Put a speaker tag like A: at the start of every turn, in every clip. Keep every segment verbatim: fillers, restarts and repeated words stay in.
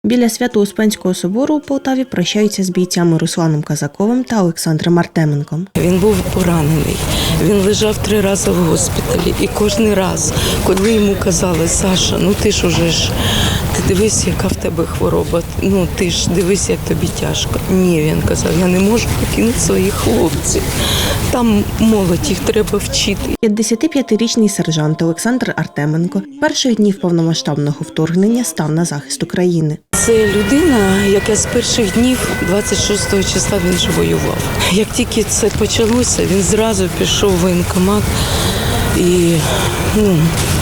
A: Біля Свято-Успенського собору у Полтаві прощаються з бійцями Русланом Казаковим та Олександром Артеменком.
B: Він був поранений, він лежав три рази в госпіталі. І кожен раз, коли йому казали: Саша, ну ти ж уже ж, ти дивись, яка в тебе хвороба, ну ти ж дивись, як тобі тяжко. Ні, він казав, я не можу покинути своїх хлопців. Там молодь, їх треба вчити.
A: п'ятдесятип'ятирічний сержант Олександр Артеменко перших днів повномасштабного вторгнення став на захист України.
B: Це людина, яка з перших днів двадцять шостого числа він же воював. Як тільки це почалося, він зразу пішов в воєнкомат і ну,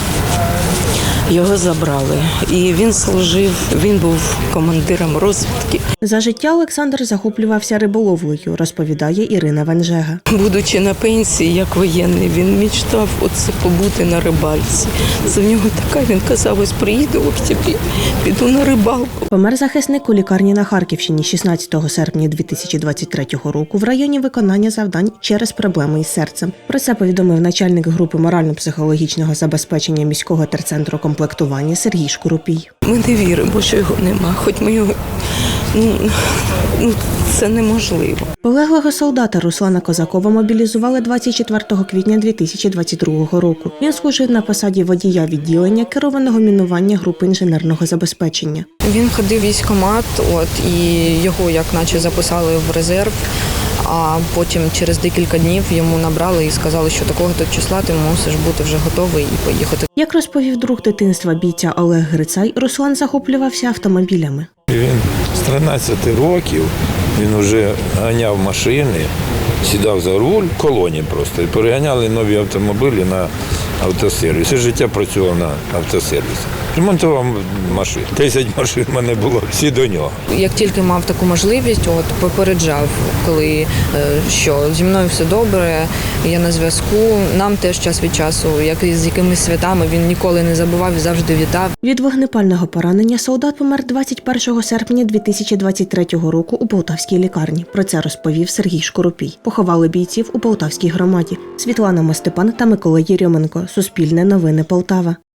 B: його забрали. І він служив, він був командиром розвідки.
A: За життя Олександр захоплювався риболовлею, розповідає Ірина Венжега.
B: Будучи на пенсії, як воєнний, він мечтав оце побути на рибальці. Це в нього така, він казав, ось приїду в октябрі, піду на рибалку.
A: Помер захисник у лікарні на Харківщині шістнадцятого серпня дві тисячі двадцять третього року в районі виконання завдань через проблеми із серцем. Про це повідомив начальник групи морально-психологічного забезпечення міського терцентру комплектування Сергій Шкурупій.
B: Ми не віримо, що його нема, хоч ми його, ну, ну це неможливо.
A: Полеглого солдата Руслана Козакова мобілізували двадцять четвертого квітня дві тисячі двадцять другого року. Він служив на посаді водія відділення керованого мінування групи інженерного забезпечення.
C: Він ходив в військкомат, от, і його як наче записали в резерв, а потім через декілька днів йому набрали і сказали, що такого-то числа ти мусиш бути вже готовий і поїхати.
A: Як розповів друг дитинства бійця Олег Грицай, Руслан захоплювався автомобілями.
D: Він з тринадцяти років, він вже ганяв машини, сідав за руль, в колоні просто, і переганяли нові автомобілі на автосервіс. Все життя працював на автосервісі. Ремонтував машини. Десять машин в мене було, всі до нього.
C: Як тільки мав таку можливість, от попереджав, коли що зі мною все добре, я на зв'язку. Нам теж час від часу, як і з якимись святами, він ніколи не забував і завжди вітав.
A: Від вогнепального поранення солдат помер двадцять першого серпня дві тисячі двадцять третього року у Полтавській лікарні. Про це розповів Сергій Шкурупій. Поховали бійців у Полтавській громаді. Світлана Мостепан та Микола Єрьоменко. Суспільне новини Полтава.